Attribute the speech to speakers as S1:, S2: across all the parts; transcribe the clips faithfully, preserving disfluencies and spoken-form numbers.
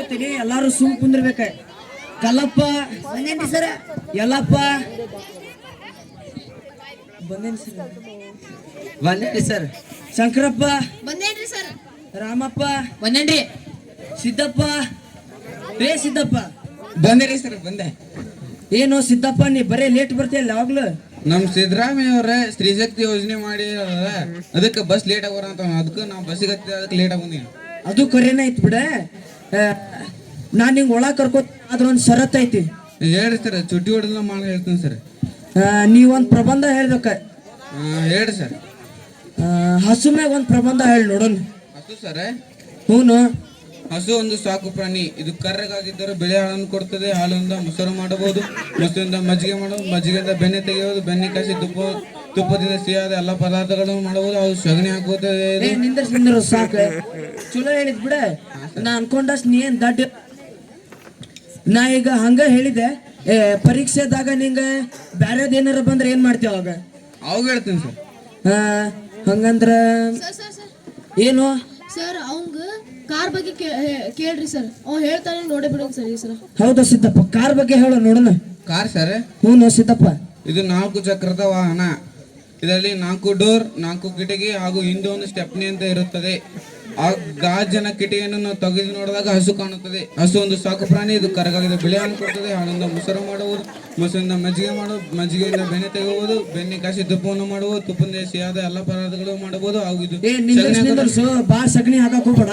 S1: ಹೇಳ್ತೀನಿ, ಎಲ್ಲಾರು ಸುಮ್ ಕುಂದಿರ್ಬೇಕ. ಕಲ್ಲಪ್ಪ
S2: ಬಂದೇನ್ರಿ ಸರ್.
S1: ಯಲ್ಲಪ್ಪ ಬಂದೇನ್ರಿ ಸರ್.
S3: ಬಂದೇನ್ರಿ ಸರ್.
S1: ಶಂಕರಪ್ಪ
S2: ಬಂದೇನ್ರಿ ಸರ್.
S1: ರಾಮಪ್ಪ
S2: ಬಂದೇನ್ರಿ.
S1: ಸಿದ್ದಪ್ಪ ರೇ ಸಿದ್ದಪ್ಪ
S3: ಬಂದೇರಿ ಸರ್. ಬಂದೆ.
S1: ಏನು ಸಿದ್ದಪ್ಪ ನೀ ಬರೇ ಲೇಟ್ ಬರ್ತೀಯಲ್ಲ ಯಾವಾಗ್ಲೂ.
S3: ನಮ್ ಸಿದ್ದರಾಮಯ್ಯ ಅವ್ರ ಸ್ತ್ರೀಶಕ್ತಿ ಯೋಜನೆ ಮಾಡಿ ಅದಕ್ಕೆ ಬಸ್ ಲೇಟ್ ಆಗೋರ ಅಂತ ಅದಕ್ಕೆ ನಾವು ಬಸ್ಸಿಗೆ ಹತ್ತಿ ಅದಕ್ಕೆ ಲೇಟ್ ಆಗೋದೀನಿ.
S1: ಅದು ಕರೆನ ಐತಿ ಬಿಡ. ನಾನ್ ನಿಂಗೆ ಒಳಗೆ ಕರ್ಕೋ ಅದ್ರ ಒಂದು ಷರತ್ ಐತಿ.
S3: ಹೇಳ್ರಿ ಸರ್. ಚುಟ್ಟಿ ಹೊಡೆದ ಮಾಡಿ ಹೇಳ್ತೀನಿ ಸರ್.
S1: ನೀವೊಂದು ಪ್ರಬಂಧ ಹೇಳ್ಬೇಕ.
S3: ಹೇಳ್ರಿ ಸರ್.
S1: ಹಸು ಮ್ಯಾಗ ಒಂದು ಪ್ರಬಂಧ ಹೇಳಿ ನೋಡೋಣ.
S3: ಹಸು ಸರ್.
S1: ಹ್ಞೂ.
S3: ಹಸು ಒಂದು ಸಾಕು ಪ್ರಾಣಿ. ಇದು ಕರ್ರಗಾಗಿದ್ದರೂ ಬೆಳೆ ಹಾಲನ್ನು ಕೊಡ್ತದೆ. ಹಾಲಿಂದ ಮೊಸರು ಮಾಡಬಹುದು, ಮೊಸರಿಂದ ಮಜ್ಜಿಗೆ ಮಾಡಬಹುದು, ಮಜ್ಜಿಗೆಯಿಂದ ಬೆಣ್ಣೆ ತೆಗೆಯುವುದು, ಬೆಣ್ಣೆ ಕಾಸಿ ತುಪ್ಪ ತುಪ್ಪದಿಂದ ಸಿಹಿಯಾದ ಎಲ್ಲ ಪದಾರ್ಥಗಳನ್ನು ಮಾಡಬಹುದು. ಅದು ಸಗಣಿ ಹಾಕುತ್ತದೆ.
S1: ನಿಂದ್ರ ನಿಂದ್ರ ಸಾಕು. ಚಲೋ ಹೇಳಿದ್ ಬಿಡ. ನಾ ಅನ್ಕೊಂಡಷ್ಟು ನೀ ಏನ್ ದಡ್ಡ. ನಾ ಈಗ ಹಂಗ ಹೇಳಿದೆ, ಏ ಪರೀಕ್ಷೆದಾಗ ನಿಂಗ ಬ್ಯಾರೇದ್ ಏನಾರ ಬಂದ್ರೆ ಏನ್ ಮಾಡ್ತೀವ ಅವಾಗ?
S3: ಅವಾಗ ಹೇಳ್ತೀನಿ ಸರ್.
S1: ಹಂಗಂದ್ರ ಏನು
S2: ಸರ್ ಅವಂಗ ಕಾರ್ ಬಗ್ಗೆ ಕೇಳ್ರಿ ಸರ್. ಅವ್ ಹೇಳ್ತಾನೆ ನೋಡೇ ಬಿಡೋಣ ಸರ್ ಈ ಸಲ.
S1: ಹೌದಾ ಸಿದ್ದಪ್ಪ, ಕಾರ್ ಬಗ್ಗೆ ಹೇಳೋ ನೋಡೋಣ.
S3: Car sir.
S1: ಹ್ಞೂ ಸಿದ್ದಪ್ಪ.
S3: ಇದು ನಾಲ್ಕು ಚಕ್ರದ ವಾಹನ. ಇದರಲ್ಲಿ ನಾಲ್ಕು ಡೋರ್, ನಾಲ್ಕು ಕಿಟಕಿ ಹಾಗೂ ಹಿಂದೆ ಒಂದು ಸ್ಟೆಪ್ನಿ ಅಂತ ಇರುತ್ತದೆ. ಆ ಗಾಜಿನ ಕಿಟಕಿಯನ್ನು ನಾವು ತೆಗೆದು ನೋಡಿದಾಗ ಹಸು ಕಾಣುತ್ತದೆ. ಹಸು ಒಂದು ಸಾಕು ಪ್ರಾಣಿ. ಇದು ಕರಗಾಗಿದ ಬೆಳೆಯನ್ನು ಕೊಡುತ್ತದೆ. ಹಾಲಿಂದ ಮೊಸರು ಮಾಡುವುದು, ಮೊಸರಿಂದ ಮಜ್ಜಿಗೆ ಮಾಡುವುದು, ಮಜ್ಜಿಗೆಯಿಂದ ಬೆಣ್ಣೆ ತೆಗೆಯುವುದು, ಬೆಣ್ಣೆ ಕಾಸಿ ತುಪ್ಪವನ್ನು ಮಾಡುವುದು, ತುಪ್ಪದಿಂದ ಸಿಹಿಯಾದ ಎಲ್ಲ ಪದಾರ್ಥಗಳು ಮಾಡಬಹುದು. ಹಾಗೂ ಇದು
S1: ಬಾ ಸಗಣಿ ಹಾಕಕ್ ಹೋಗ್ಬೇಡ.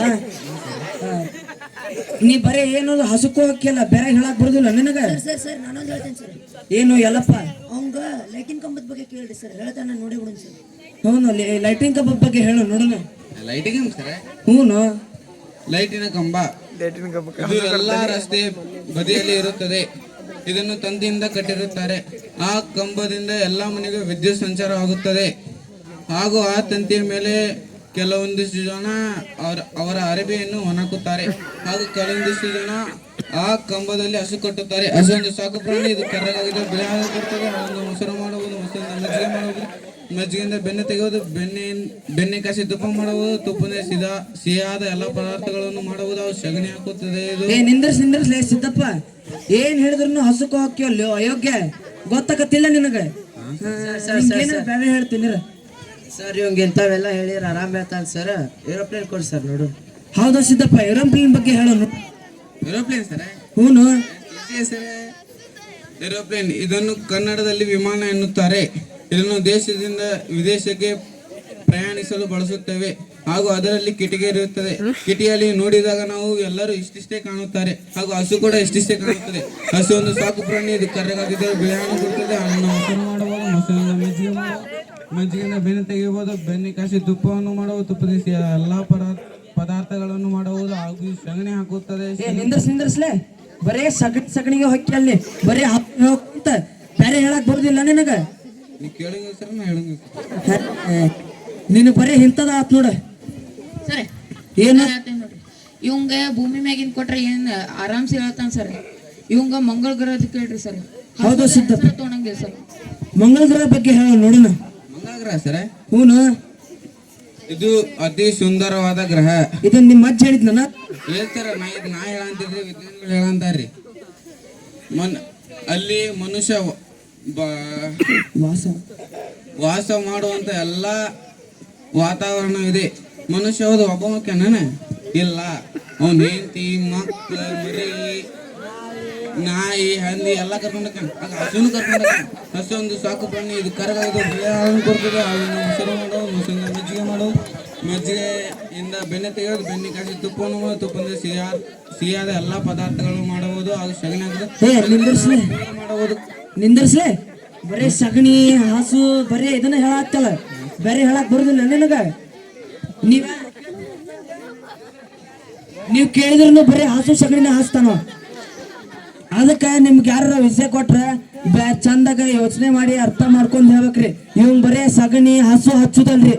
S1: ನೀ ಬರೇ ಏನು ಹಸುಕು ಹಾಕಿಲ್ಲ, ಬೇರೆ ಹೇಳಕ್ ಬರುದಿಲ್ಲ ನಿನಗ.
S2: ಸರ್ ಸರ್ ನಾನೊಂದು ಹೇಳ್ತೇನೆ ಸರ್.
S1: ಏನು ಎಲ್ಲಪ್ಪ?
S2: ಅವಂಗ ಲೈಟಿನ್ ಕಂಬದ ಬಗ್ಗೆ ಕೇಳ್ರಿ ಸರ್. ಹೇಳ್ತಾನೆ ನೋಡಿ ಬಿಡೋಣ ಸರ್.
S1: ಹೌದು, ಲೈಟಿಂಗ್ ಕಂಬದ ಬಗ್ಗೆ ಹೇಳು ನೋಡೋಣ.
S3: Lighting sir.
S1: ಹ್ಞೂ,
S3: ಲೈಟಿನ ಕಂಬ. ಇದು ಎಲ್ಲಾ ರಸ್ತೆ ಬದಿಯಲ್ಲಿ ಇರುತ್ತದೆ. ಇದನ್ನು ತಂತಿಯಿಂದ ಕಟ್ಟಿರುತ್ತಾರೆ. ಆ ಕಂಬದಿಂದ ಎಲ್ಲಾ ಮನೆಗೆ ವಿದ್ಯುತ್ ಸಂಚಾರವಾಗುತ್ತದೆ. ಹಾಗೂ ಆ ತಂತಿಯ ಮೇಲೆ ಕೆಲವೊಂದಿಷ್ಟು ಜನ ಅವರ ಅವರ ಅರಬಿಯನ್ನು ಒಣಕುತ್ತಾರೆ. ಹಾಗೂ ಕೆಲವೊಂದಿಷ್ಟು ಜನ ಆ ಕಂಬದಲ್ಲಿ ಹಸು ಕಟ್ಟುತ್ತಾರೆ. ಹಸು ಒಂದು ಸಾಕು ಪ್ರಾಣಿ. ಇದು ಕರ್ರಗಾಗಿದ್ದು ಬೆಳೆ ಹಾಲು ಕೊಡ್ತದೆ. ಹಾಲನ್ನು ಮೊಸರು ಮಾಡುವುದು, ಮೊಸರಿಂದ ಮಜ್ಜಿಗೆ ಮಾಡುವುದು, ಮಜ್ಜಿಗೆಯಿಂದ ಬೆಣ್ಣೆ ತೆಗೆಯುವುದು, ಬೆಣ್ಣೆ ಬೆಣ್ಣೆ ಕಾಸಿ ತುಪ್ಪ ಮಾಡುವುದು, ತುಪ್ಪದಿಂದ ಸಿದಾ ಸಿಹಿಯಾದ ಎಲ್ಲ ಪದಾರ್ಥಗಳನ್ನು ಮಾಡುವುದು. ಅವು ಸಗಣಿ ಹಾಕುತ್ತದೆ.
S1: ಏ ನಿಂದ್ರಸ್ ನಿಂದ್ರಸ್ಲೇ ಸಿದ್ದಪ್ಪ, ಏನ್ ಹೇಳಿದ್ರು ಹಸುಕು ಹಾಕ್ಯವಲ್ಲ ಅಯೋಗ್ಯ. ಗೊತ್ತಾಗತ್ತಿಲ್ಲ ನಿನಗ? ಬೇರೆ ಹೇಳ್ತೀನಿ
S4: ಸರ್. ಇವಂಗ ಇಂಥವೆಲ್ಲ ಹೇಳಿರ ಆರಾಮ್ ಹೇಳ್ತಾನೆ ಸರ್. ಏರೋಪ್ಲೇನ್ ಕೊಡಿ ಸರ್ ನೋಡು.
S1: ಹೌದಾ ಸಿದ್ದಪ್ಪ, ಏರೋಪ್ಲೇನ್ ಬಗ್ಗೆ ಹೇಳೋನು.
S3: Aeroplane sir.
S1: ಹ್ಞೂ
S3: ಸರ್. ಏರೋಪ್ಲೇನ್ ಇದನ್ನು ಕನ್ನಡದಲ್ಲಿ ವಿಮಾನ ಎನ್ನುತ್ತಾರೆ. ಇದನ್ನು ದೇಶದಿಂದ ವಿದೇಶಕ್ಕೆ ಪ್ರಯಾಣಿಸಲು ಬಳಸುತ್ತೇವೆ. ಹಾಗೂ ಅದರಲ್ಲಿ ಕಿಟಕಿ ಇರುತ್ತದೆ. ಕಿಟಿಯಲ್ಲಿ ನೋಡಿದಾಗ ನಾವು ಎಲ್ಲರೂ ಇಷ್ಟಿಷ್ಟೇ ಕಾಣುತ್ತಾರೆ. ಹಾಗೂ ಹಸು ಕೂಡ ಇಷ್ಟಿಷ್ಟೇ ಕಾಣುತ್ತದೆ. ಹಸು ಒಂದು ಸಾಕು ಪ್ರಾಣಿ. ಇದು ಕರ್ರಗಾಗಿದ್ದರೆ ಬೆಳೆಯನ್ನು ಕೊಡುತ್ತದೆ. ಅದನ್ನು ಮೊಸರು ಮಾಡಬಹುದು, ಮೊಸರಿಂದ ಮಜ್ಜಿಗೆ ಮಾಡಬಹುದು, ಮಜ್ಜಿಗೆಯಿಂದ ಬೆಣ್ಣೆ ತೆಗೆಯಬಹುದು, ಬೆಣ್ಣೆ ಕಾಸಿ ತುಪ್ಪವನ್ನು ಮಾಡಬಹುದು, ತುಪ್ಪದ ಎಲ್ಲಾ ಪದಾರ್ಥಗಳನ್ನು ಮಾಡಬಹುದು. ಹಾಗೂ ಸಗಣಿ ಹಾಕುತ್ತದೆ.
S1: ನಿಂದ್ರಸ್ ನಿಂದ್ರಸ್ಲೆ, ಬರೇ ಸಗಣಿ ಸಗಣಿಗೆ ಹೊಕ್ಕಿ ಅಲ್ಲಿ ಬರೇ ಅಂತ ಬೇರೆ ಹೇಳಕ್ ಬರುದಿಲ್ಲ ನಿನಗ. ನೀನು ಬರೀ ಇಂಥದ ಆತ್ ನೋಡ.
S2: ಸರ್
S1: ಏನು
S2: ನೋಡ್ರಿ, ಇವಂಗ ಭೂಮಿ ಮ್ಯಾಗಿನ್ ಕೊಟ್ರೆ ಏನ್ ಆರಾಮ್ಸಿ ಹೇಳ್ತಾನ ಸರ್. ಇವಂಗ ಮಂಗಳ ಗ್ರಹದ ಕೇಳ್ರಿ ಸರ್.
S1: ಹೌದು ಸಿದ್ದಪ್ಪ,
S2: ತೊಗೊಂಡಂಗಿಲ್ಲ ಸರ್.
S1: ಮಂಗಳ ಗ್ರಹ ಬಗ್ಗೆ ಹೇಳ ನೋಡೋಣ.
S3: ಮಂಗಳ ಗ್ರಹ ಸರ್.
S1: ಹ್ಞೂ,
S3: ಇದು ಅತಿ ಸುಂದರವಾದ ಗ್ರಹ.
S1: ಇದನ್ನ ನಿಮ್ಮ ಅಜ್ಜ ಹೇಳಿದ್ ನನ್ನ
S3: ಹೇಳ್ತಾರ. ನಾ ಇದು ನಾ ಹೇಳಂತಿದ್ರಿ, ವಿಜ್ಞಾನಿಗಳು ಹೇಳಂತಾರ್ರಿ. ಮನ್ ಅಲ್ಲಿ ಮನುಷ್ಯ
S1: ವಾಸ
S3: ವಾಸ ಮಾಡುವಂತ ಎಲ್ಲ ವಾತಾವರಣವಿದೆ. ಮನುಷ್ಯ ಹೌದು ಒಬ್ಬ ಮಕ್ಕನ ಇಲ್ಲ. ಅವನ ಹೆಂಡತಿ, ಮಕ್ಕಳ, ಮರಿ, ನಾಯಿ, ಹಂದಿ ಎಲ್ಲ ಕರ್ಕೊಂಡ ಹಸುನು ಕರ್ಕೊಂಡ. ಹಸು ಒಂದು ಸಾಕು ಪ್ರಾಣಿ. ಇದು ಕರಗಾಗಿದ್ದು ಬೆಳೆ ಹಾಲನ್ನು ಕೊಡ್ತದೆ. ಹಾಲಿನ ಮೊಸರು ಮಾಡೋದು, ಮೊಸರಿಂದ ಮಜ್ಜಿಗೆ ಮಾಡೋದು, ಮಜ್ಜಿಗೆಯಿಂದ ಬೆಣ್ಣೆ ತೆಗೆಯೋದು, ಬೆಣ್ಣೆ ಕಾಸಿ ತುಪ್ಪವನ್ನು ಮಾಡೋದು, ತುಪ್ಪದಿಂದ ಸಿಹಿಯಾ ಸಿಹಿಯಾದ ಎಲ್ಲ ಪದಾರ್ಥಗಳು ಮಾಡಬಹುದು. ಹಾಗೂ ಸಗಣಿ ಮಾಡಬಹುದು.
S1: ನಿಂದರ್ಸ್ಲೆ, ಬರೇ ಸಗಣಿ ಹಸು ಬರೇ ಇದನ್ನ ಹೇಳತ್ತಲ್ಲ, ಬೇರೆ ಹೇಳಕ್ ಬರುದಿಲ್ಲ ನಿನಗ. ನೀವ ನೀವ್ ಕೇಳಿದ್ರು ಬರೀ ಹಸು ಸಗಣಿನ ಹಾಸ್ತಾನ. ಅದಕ್ಕ ನಿಮ್ಗೆ ಯಾರ ವಿಷಯ ಕೊಟ್ರ ಚಂದಾಗ ಯೋಚನೆ ಮಾಡಿ ಅರ್ಥ ಮಾಡ್ಕೊಂಡ್ ಹೇಳ್ಬೇಕ್ರಿ. ಇವ್ ಬರೇ ಸಗಣಿ ಹಸು ಹಚ್ಚುದಲ್ರಿ.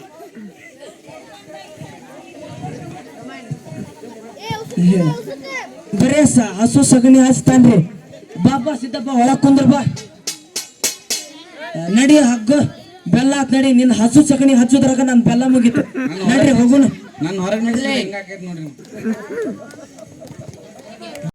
S1: ಬರೇ ಹಸು ಸಗಣಿ ಹಚ್ತಾನ್ರಿ. ಬಾಬಾ ಸಿದ್ದಪ್ಪ ಒಳಗ್ ಕುಂದ್ರ ಬಾ. ನಡಿ ಹಗ್ಗ ಬೆಲ್ಲ ಹಾಕ್ ನಡಿ. ನಿನ್ ಹಸು ಸಗಣಿ ಹಚ್ಚುದ್ರಾಗ ನನ್ ಬೆಲ್ಲ ಮುಗಿತು. ನಡ್ರಿ ಹೋಗುಣ.
S3: ನಾನು ಹೊರಗೆ ನೋಡ್ರಿ.